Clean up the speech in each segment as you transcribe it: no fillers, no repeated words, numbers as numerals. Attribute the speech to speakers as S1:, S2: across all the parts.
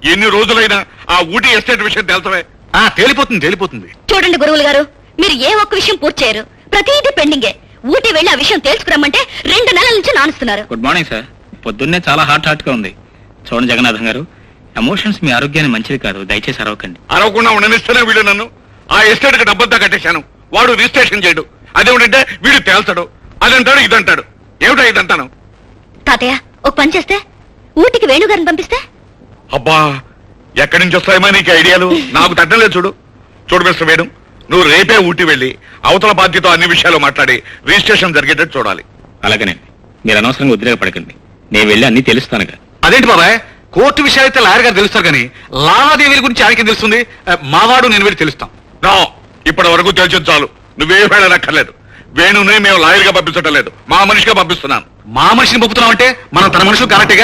S1: ఎన్ని రోజులైనా ఆ ఊటీ ఎస్టేట్ విషయం తెలుసవే? తేలిపోతుంది.
S2: చూడండి గురువులు గారు, మీరు ఏ ఒక్క విషయం పూర్తి చేయరు. ప్రతిదీ పెండింగే. ఊటీ వెళ్ళి ఆ విషయం తెలుసుకురమ్మంటే 2 నెలల నుంచి నానుస్తున్నారు.
S3: Good morning sir. పొద్దున్నే చాలా హాట్ గా ఉంది. చూడండి జగన్నాథం గారు, ఎమోషన్స్ మీ ఆరోగ్యానికి మంచిది కాదు. దయచేసి అరవకండి.
S1: అరవకుండా ఉండనిస్తేనే వీడు నన్ను ఆ ఎస్టేట్ కి డబ్బులతో కట్టేశాను. వాడు రిజిస్ట్రేషన్ చేయడు. అదేమిటంటే వీడు తేల్చడు. అదంటాడు ఇదంటాడు. ఏమిటో ఇదంతాను?
S2: తాతయ్య, ఒక పని చేస్తే ఊటీకి వేణుగారిని పంపిస్తే?
S1: అబ్బా, ఎక్కడి నుంచి వస్తాయమా నీకు ఐడియాలు? నాకు తట్టలేదు. చూడు మిస్టర్ వేణు, నువ్వు రేపే ఊటీ వెళ్ళి అవతల బాధ్యత అన్ని విషయాలు మాట్లాడి రిజిస్ట్రేషన్ జరిగేటట్టు చూడాలి.
S3: అలాగనే మీరు అనవసరంగా ఉద్రేకపడకండి. నేను వెళ్ళి అన్ని తెలుస్తానుగా.
S4: అదేంటి బాబాయ్, కోర్టు విషయాలు అయితే లాయర్ గారు తెలుస్తారు కానీ లావాదేవీల గురించి ఆయనకి తెలుస్తుంది. మావాడు నేను వెళ్ళి తెలుస్తాం.
S1: నో, ఇప్పటి వరకు తెలిసింది చాలు. నువ్వే వెళ్ళనక్కర్లేదు. వేణునే మేము లాయర్ గా పంపించడం లేదు, మా మనిషిగా పంపిస్తున్నాను.
S4: మా మనిషిని పంపుతున్నాం అంటే మనం తన మనుషులు కరెక్ట్గా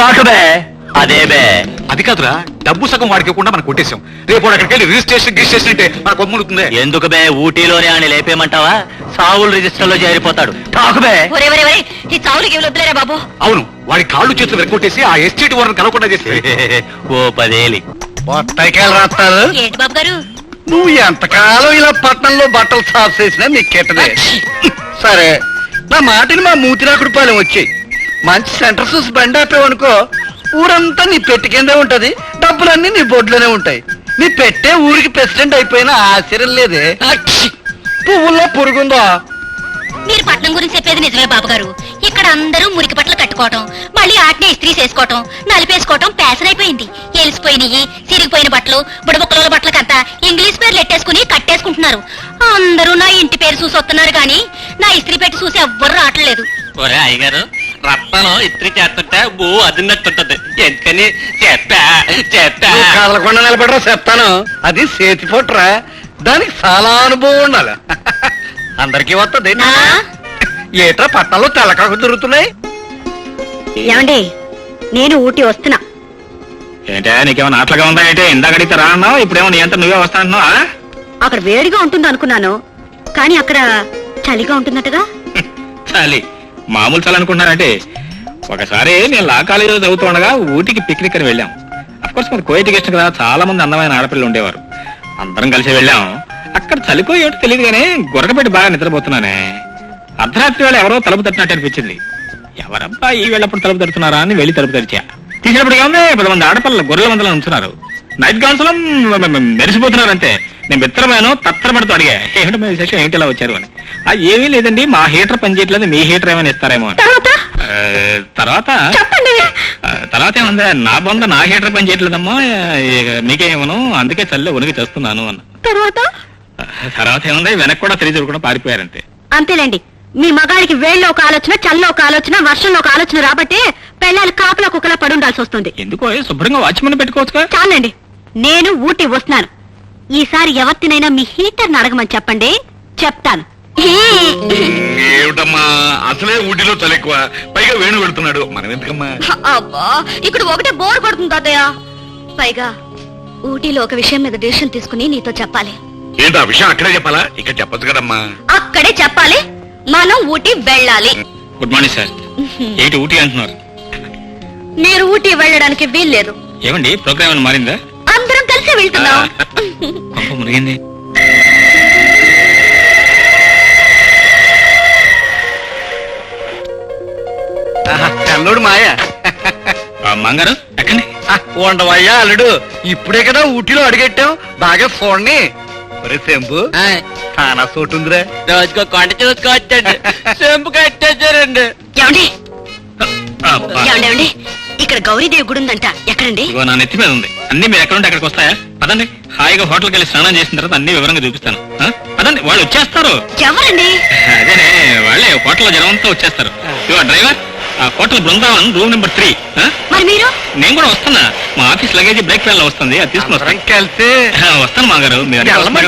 S4: అది కాదురా, డబ్బు సగం వాడికి ఇవ్వకుండా మనం కొట్టేశాం. రేపు వాడు అక్కడికి వెళ్ళి రిజిస్ట్రేషన్ అంటే మన కొమ్ముడుతుంది.
S5: ఎందుకు బే, ఊటీలోనే ఆయన లేపేయమంటావా? సావులు రిజిస్టర్ లో చేరిపోతాడు. టాకుబే.
S2: ఈ చావులకి వదిలేరా బాబు.
S4: అవును, వాడి కాళ్ళు చేతులు వెరకొట్టేసి ఆ ఎస్టేట్ వారిని కలవకుండా చేస్తే
S5: ఓ 10 ఏలి
S6: బొత్తాయికాయలు రాస్తారు.
S2: ఏంటి బాబు గారు?
S6: నువ్వు ఎంతకాలం ఇలా పట్టణంలో బట్టలు సాఫ్ చేసినా నీకు కెట్టదే. సరే, నా మాటని మా మూతిరాకుడు పాలెం వచ్చాయి. మంచి సెంటర్ చూసి బండి ఆపేవనుకో, ఊరంతా నీ పెట్టి కిందే ఉంటది, డబ్బులన్నీ నీ బొడ్లోనే ఉంటాయి. నీ పెట్టే ఊరికి ప్రెసిడెంట్ అయిపోయినా ఆశ్చర్యం లేదే. పువ్వుల్లో పురుగుందా?
S2: మీరు పట్నం గురించి చెప్పేది నిజమే బాబు గారు. ఇక్కడ అందరూ మురికి బట్టలు కట్టుకోవటం, మళ్ళీ ఆటనే ఇస్త్రీ చేసుకోవటం, నలిపేసుకోవటం ప్యాషన్ అయిపోయింది. ఎలిసిపోయినవి, సిరిగిపోయిన బట్టలు, బుడబుక్కల బట్టలకంతా ఇంగ్లీష్ పేర్లు ఎట్టేసుకుని కట్టేసుకుంటున్నారు. అందరూ నా ఇంటి పేరు చూసి వస్తున్నారు కానీ నా ఇస్త్రీ పెట్టి చూసి ఎవ్వరు రావట్లేదు.
S5: ఒరే అయ్యగారు, రత్నం ఇస్త్రీ చేస్తుంటే బో అదిన్నట్టుంటది. ఎందుకని చెప్పా
S6: నువ్వు కదలకుండా నిలబడరా చెప్తాను. అది చేతి పొట్రా, దానికి చాలా అనుభవం ఉండాలి. అందరికీ వస్తుంది. ఏట్రా పట్టణంలో తెల్లకాకు దొరుకుతున్నాయి.
S2: ఏమండి, నేను ఊటీ వస్తున్నా.
S3: ఏంటా నీకేమన్నా ఆటలుగా ఉందా? ఏంటి ఇందాక అడిగితే రా అన్నావు, ఇప్పుడేమో నీ అంతా నువ్వే వస్తా అంటున్నావా?
S2: అక్కడ వేడిగా ఉంటుంది అనుకున్నాను, కానీ అక్కడ చలిగా ఉంటున్నట్టుగా.
S3: చలి మామూలు చలి అనుకుంటున్నారంటే, ఒకసారి నేను లా కాలేజీలో చదువుతూ ఉండగా ఊటీకి పిక్నిక్ అని వెళ్ళాం. అఫ్కోర్స్ మరి కో ఎడ్యుకేషన్ కదా, చాలా మంది అందమైన ఆడపిల్లలు ఉండేవారు. అందరం కలిసి వెళ్ళాం. అక్కడ చలిపోయి ఏమిటో తెలియదు కానీ గొరకపెట్టి బాగా నిద్రపోతున్నానే. అర్ధరాత్రి వేళ ఎవరో తలుపు తట్టినట్టు అనిపించింది. ఎవరబ్బా ఈ వెళ్ళప్పుడు తలుపు తడుతున్నారా అని వెళ్ళి తలుపు తెరిచా. తీసినప్పుడు ఏముంది, 10 మంది ఆడపిల్లలు గొర్రెల మందలో ఉంటున్నారు. నైట్ గౌన్స్ లో మెరిసిపోతున్నారు. అంతే. నేను మిత్రమేను తత్తరపడుతూ అడిగా, ఏమిటో మీ విశేషం, ఏమిటి ఇలా వచ్చారు అని. ఏమీ లేదండి, మా హీటర్ పనిచేయట్లేదు, మీ హీటర్ ఏమైనా ఇస్తారేమో అని. తర్వాత ఏముంది, నా బొంద నా హీటర్ పనిచేయట్లేదమ్మా, మీకేమను, అందుకే చల్లే ఉనికి చేస్తున్నాను అన్న. తర్వాత ఏముంది, వెనక్కి కూడా తెలియదు కూడా పారిపోయారంతే.
S2: అంతేలేండి, మీ మగాడికి వేళ్ళలో ఒక ఆలోచన, చల్లో ఒక ఆలోచన, వర్షంలో ఒక ఆలోచన రాబట్టే పెళ్ళాలు కాపులా కుక్కలా పడి ఉండాల్సి వస్తుంది.
S3: ఎందుకో శుభ్రంగా వాచ్మెన్ పెట్టుకోవచ్చు.
S2: చాలండి, నేను ఊటీ వస్తున్నాను. ఈసారి ఎవరినైనా మీ హీటర్ అడగమని చెప్పండి, చెప్తాను.
S1: ఏమిటమ్మా, అసలే ఊటీలో చలి ఎక్కువ, పైగా వేణు పెడుతున్నాడు. మనం ఎందుకమ్మా?
S2: అబ్బా, ఇక్కడ ఒకటే బోర్ కొడుతుంది తాతయ్య. పైగా ఊటీలో ఒక విషయం మీద డెసిషన్ తీసుకుని నీతో చెప్పాలి.
S1: ఏంటి ఆ విషయం అక్కడే చెప్పాలా? ఇక్కడ చెప్పచ్చు కదమ్మా.
S2: అక్కడే చెప్పాలి, మనం ఊటీ వెళ్ళాలి.
S3: Good morning sir. ఏంటి ఊటీ అంటున్నారు?
S2: మీరు ఊటీ వెళ్ళడానికి వీల్లేదు.
S3: ఏమండి, ప్రోగ్రామ్ ఏమైనా మారిందా?
S2: అందరం కలిసి వెళ్తున్నాం.
S3: కొంప మునిగింది.
S6: తెల్లుడు మాయ
S3: మంగారు ఎక్కండి.
S6: ఉండవయ్యా అల్లుడు, ఇప్పుడే కదా ఊటీలో అడిగెట్టాం. బాగా చూడండి. ఒరే శంభు, చాలా చోటు ఉందిరా.
S5: రోజుకో కొండ చూసుకోవచ్చండి. చెంపు కట్టేశారండి.
S2: ఏమండి ఏమండి, ఇక్కడ గౌరీదేవి గుడి ఉందంట, ఎక్కడండి?
S3: ఇగో నా నెత్తి మీద ఉంది. అన్ని మీరు ఎక్కడుంటే అక్కడికి వస్తాయా? పదండి, హాయిగా హోటల్కి వెళ్ళి స్నానం చేసిన తర్వాత అన్ని వివరంగా చూపిస్తాను. పదండి, వాళ్ళు వచ్చేస్తారు.
S2: ఎవరండి?
S3: అదేనే, వాళ్ళే హోటల్లో జనం అంతా వచ్చేస్తారు. ఇవో డ్రైవర్, ఆ హోటల్ బృందావన్ రూమ్ నెంబర్ 3.
S2: మరి మీరు?
S3: నేను కూడా వస్తున్నా. మా ఆఫీస్ లగేజ్ బ్రేక్ ఫెయిల్ వస్తుంది, అది తీసుకుని వస్తాను.
S6: కలిసి
S3: వస్తాను మాగారు. మీరు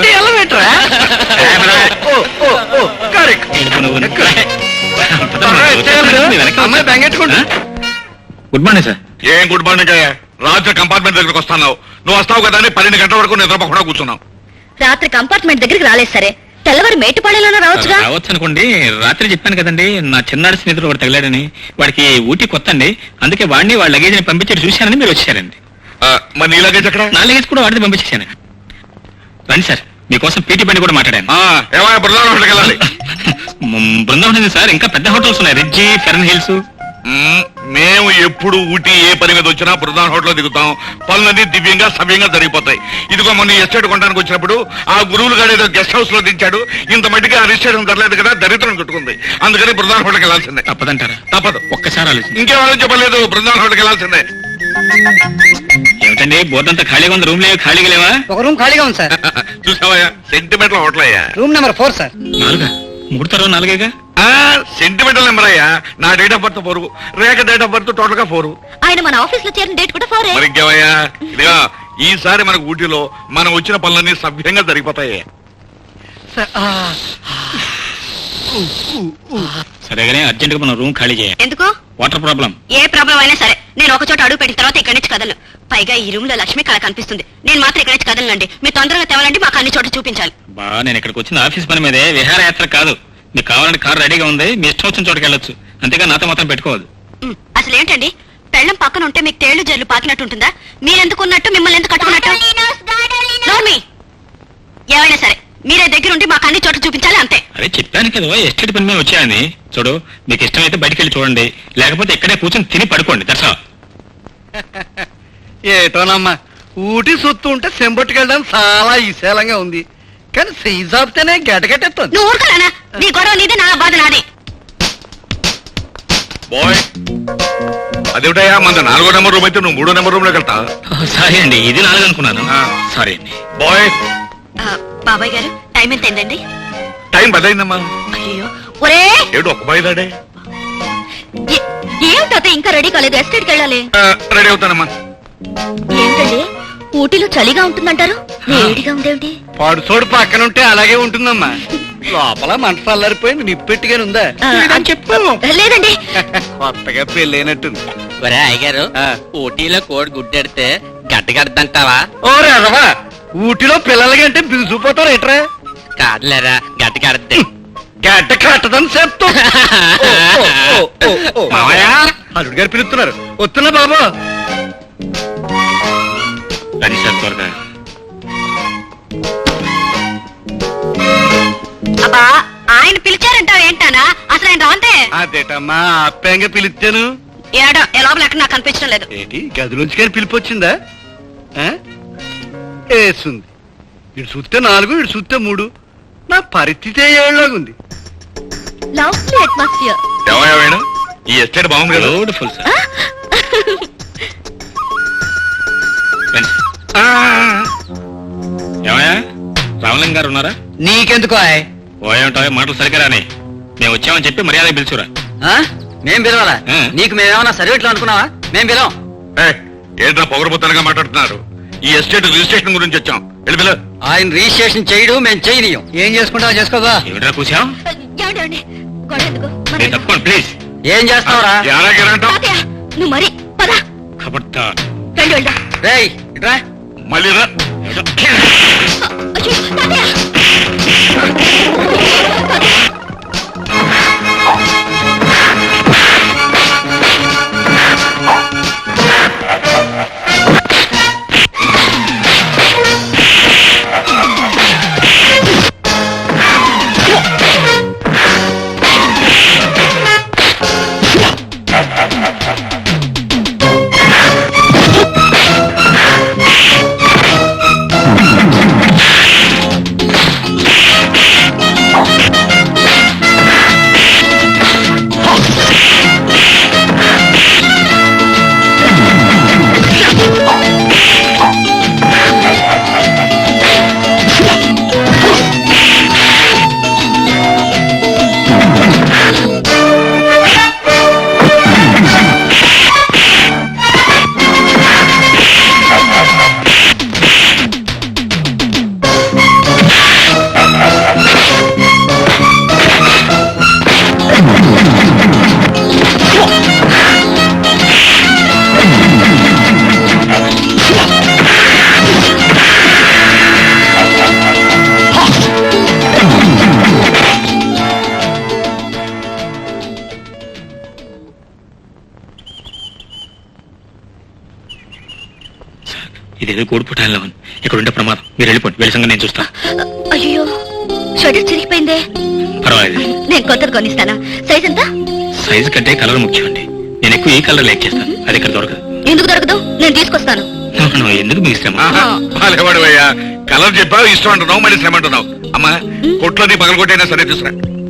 S3: గుడ్ మార్నింగ్ సార్.
S1: ఏం గుడ్ మార్నింగ్ అయ్యా? రాత్రి కంపార్ట్మెంట్ దగ్గరకు వస్తున్నావు. నువ్వు వస్తావు కదా అని 12 గంటల వరకు నిద్రపోకుండా కూర్చున్నావు.
S2: రాత్రి కంపార్ట్మెంట్ దగ్గరికి రాలేదు సరే, తెల్లవారు మేటుపాళెలోనే రావచ్చుగా.
S3: రావచ్చు అనుకోండి. రాత్రి చెప్పాను కదండి, నా చిన్నాడు స్నేహితుడు ఒకటి తగిలాడని. వాడికి ఊటీ కొత్త అండి, అందుకే వాడిని వాళ్ళ లగేజ్ ని పంపించి చూశానని మీరు వచ్చారండి.
S1: మరి నీ లగేజ్ ఎక్కడ
S3: నా లగేజ్ కూడా వాడితే పంపించేశాను. రండి సార్, మీకోసం పీటీ బండి కూడా మాట్లాడాను.
S1: ఏమైనా బృందావనం హోటల్కి వెళ్ళాలి.
S3: బృందావనం ఉంది సార్, ఇంకా పెద్ద హోటల్స్ ఉన్నాయి, రిడ్జి, ఫెరన్ హిల్స్.
S1: మేము ఎప్పుడు ఊటీ ఏ పని మీద వచ్చినా బృందావనం హోటల్లో దిగుతాం. పనులన్నీ దివ్యంగా సవ్యంగా జరిగిపోతాయి. ఇదిగో మొన్న ఎస్టేట్ కొనడానికి వచ్చినప్పుడు ఆ గురువులు గారు ఏదో గెస్ట్ హౌస్ లో దించాడు. ఇంత మట్టిగా రిజిస్ట్రేషన్ జరలేదు కదా, దరిద్రం చుట్టుకుంది. అందుకని బృందావనం హోటల్కి వెళ్ళాల్సిందే.
S3: తప్పదంటారా?
S1: తప్పదు.
S3: ఒక్కసారి ఆలోచించి.
S1: ఇంకేమని చెప్పలేదు, బృందావనం హోటల్కి వెళ్ళాల్సిందే.
S3: ఏమిటండి బోర్డు అంతా ఖాళీగా ఉంది, రూమ్ లేవు, ఖాళీగా లేవా?
S6: ఒక రూమ్ ఖాళీగా ఉంది సార్.
S1: చూసావయ్యా, సెంటిమెంటల్ హోటల్ అయ్యా.
S6: Room number 4 sir.
S3: 4? 3 తర్వాత 4గా?
S1: సెంటిమెంటల్ నెంబర్ అయ్యా. నా date of birth 4, Rekha date of birth total గా 4.
S2: ఆయన మన ఆఫీస్ లో చేరిన డేట్ కూడా 4.
S1: మరి ఇంకేమయ్యా, ఇదిగా ఈసారి మనకు ఊటీలో మనం వచ్చిన పనులన్నీ సభ్యంగా జరిగిపోతాయి.
S3: సరేగానే అర్జెంట్ గా మనం రూమ్ ఖాళీ చేయాలి.
S2: ఎందుకు?
S3: Water problem.
S2: ఏ ప్రాబ్లం అయినా సరే నేను ఒక చోట అడుగు పెట్టిన తర్వాత ఇక్కడి నుంచి కదలను. పైగా ఈ రూమ్ లో లక్ష్మి కళ కనిపిస్తుంది. నేను మాత్రం ఇక్కడి నుంచి కదలండి. మీరు తొందరగా తేవాలంటే మాకు అన్ని చోట్ల చూపించాలి.
S3: బా, నేను ఇక్కడికి వచ్చిన ఆఫీస్ పని మీదే, విహారయాత్ర కాదు. మీకు కావాలంటే కారు రెడీగా ఉంది, మీ ఇష్టం వచ్చిన చోటుకి వెళ్ళొచ్చు. అంతేగా నాతో మాత్రం పెట్టుకోవద్దు.
S2: అసలు ఏంటండి, పెళ్ళం పక్కన ఉంటే మీకు తేళ్లు జల్లు పాకినట్టు ఉంటుందా? మీరెందుకు ఉన్నట్టు, మిమ్మల్ని ఎందుకు కట్టుకున్నట్టు? నోర్మి, ఏమైనా సరే మీరే దగ్గరుండి మాకు అన్ని చోట్ల చూపించాలి, అంతే.
S3: అరే చెప్పాను కదా, ఎస్టేట్ పని మీద వచ్చాయని. చూడు, మీకు ఇష్టమైతే బయటికి వెళ్ళి చూడండి, లేకపోతే ఇక్కడే కూర్చొని తిని పడుకోండి. దర్శా
S6: ఏటోనమ్మా, ఊటీ సొత్తు ఉంటే సెంబట్టుకెళ్ళడానికి చాలా విశాలంగా ఉంది. కానీ సైజ్ ఆపితేనే గెటగెట్టేస్తుంది.
S2: నువ్వు ఊరుకోలేనా? నీ గొడవ నీది, నా బాధ నాది.
S1: బాయ్, అదేమిటయ్యా, మన 4వ నెంబర్ రూమ్ అయితే నువ్వు 3వ నెంబర్ రూమ్ లోకి వెళ్తా.
S3: సారీ అండి, ఇది 4 అనుకున్నాను. సారీ అండి.
S1: బాయ్,
S2: బాబాయ్ గారు, టైం ఎంత అయిందండి?
S1: టైం బదలైందమ్మా.
S2: అయ్యో, ఒరే
S1: ఏడు ఒక బాయిదాడే.
S2: ఏమిటో ఇంకా రెడీ కాలేదు, ఎస్టేట్కి వెళ్ళాలి.
S1: రెడీ అవుతానమ్మా.
S2: ఏంటండి, ఊటీలో చలిగా ఉంటుందంటారు, వేడిగా ఉందేమిటి?
S6: పడుచోడు పక్కన ఉంటే అలాగే ఉంటుందమ్మా. లోపల మంట చల్లారిపోయింది, నిప్పెట్టిగానే ఉందా?
S2: చెప్పు. లేదండి.
S6: కొత్తగా పెళ్ళైనట్టుంది.
S5: ఒరే అయ్యగారు, ఊటీలో కోడి గుడ్డెడితే గడ్డగడ్డంటావా?
S6: ఓ రవా, ఊటీలో పిల్లలకంటే బిగుసిపోతారు ఎట్రా?
S5: కాదులేరా, గడ్డగడ్డే.
S6: గడ్డ కట్టదని చెప్తా. అల్లుడు గారు పిలుస్తున్నారు, వస్తున్నా బాబు.
S3: అది సార్ త్వరగా.
S2: అబ్బా, ఆయన పిలిచారంటావు ఏంటానా? అసలు ఆయన రాంతే.
S6: అదేటమ్మా, అప్పాయంగా పిలిచాను.
S2: ఏడా ఏ లోపల ఎక్కడ నాకు కనిపించడం లేదు.
S6: ఏంటి, గదిలోంచి కానీ పిలిపొచ్చిందా? వేస్తుంది. ఇటు చూస్తే 4, ఇటు చూస్తే 3. నా పరిస్థితి ఏళ్ళలాగుంది.
S2: Lovely atmosphere.
S1: ఏమయ్యా వేణు, ఈ ఎస్టేట్ బాగుంది కదా.
S3: Beautiful sir. ఏమయ్యా, రామలింగ గారు ఉన్నారా?
S6: నీకెందుకు?
S3: ఓ ఏమిటో మాటలు సరిగ్గా రాని. మేము వచ్చామని చెప్పి మర్యాద పిలుచురా.
S6: మేం పిలవాలా? నీకు మేమేమన్నా సర్వేట్లు అనుకున్నావా? మేం పిలవం.
S1: ఏంట్రా పొగరబోతనగా మాట్లాడుతున్నారు? ఈ ఎస్టేట్ రిజిస్ట్రేషన్ గురించి వచ్చాం. వెళ్ళి
S6: ఆయన రిజిస్ట్రేషన్ చేయడు, మేము చేయనియం. ఏం చేసుకుంటావా చేసుకోదా?
S3: ఏమిట్రా కూర్చాం?
S2: ఏమండి, గొడవ ఎందుకు?
S3: మీరు తప్పకుండా ప్లీజ్.
S6: ఏం చేస్తావురా?
S2: తాతయ్య, నువ్వు మరి పద.
S3: కబడ్డా.
S2: రండి వెళ్దాం.
S6: రేయ్ ఇట్రా.
S1: మళ్ళీ రా.
S2: అయ్యో, తాతయ్య.
S3: ఇదేదో కోడిపుటాల్లో ఉంది. ఇక్కడ ఉండే ప్రమాదం. మీరు వెళ్ళిపోండి, వెళ్ళి సంగతి నేను చూస్తా.
S2: అయ్యో షటర్ చిరిగిపోయిందే.
S3: పర్వాలేదు,
S2: నేను కొత్తది కొనిస్తానా? సైజ్ ఎంత?
S3: సైజు కంటే కలర్ ముఖ్యం అండి. నేను ఎక్కువ ఈ కలర్ లైక్ చేస్తాను. అది ఇక్కడ దొరకదు.
S2: ఎందుకు దొరకదు? నేను తీసుకొస్తాను.
S3: ఎందుకు మీ ఇష్టం?
S1: బాలేవాడు అయ్యా, కలర్ చెప్పావు, ఇష్టం అంటున్నావు, మళ్ళీ శ్రమ అంటున్నావు. అమ్మా కొట్లోని పగలగొట్టైనా సరే తీసుకురా.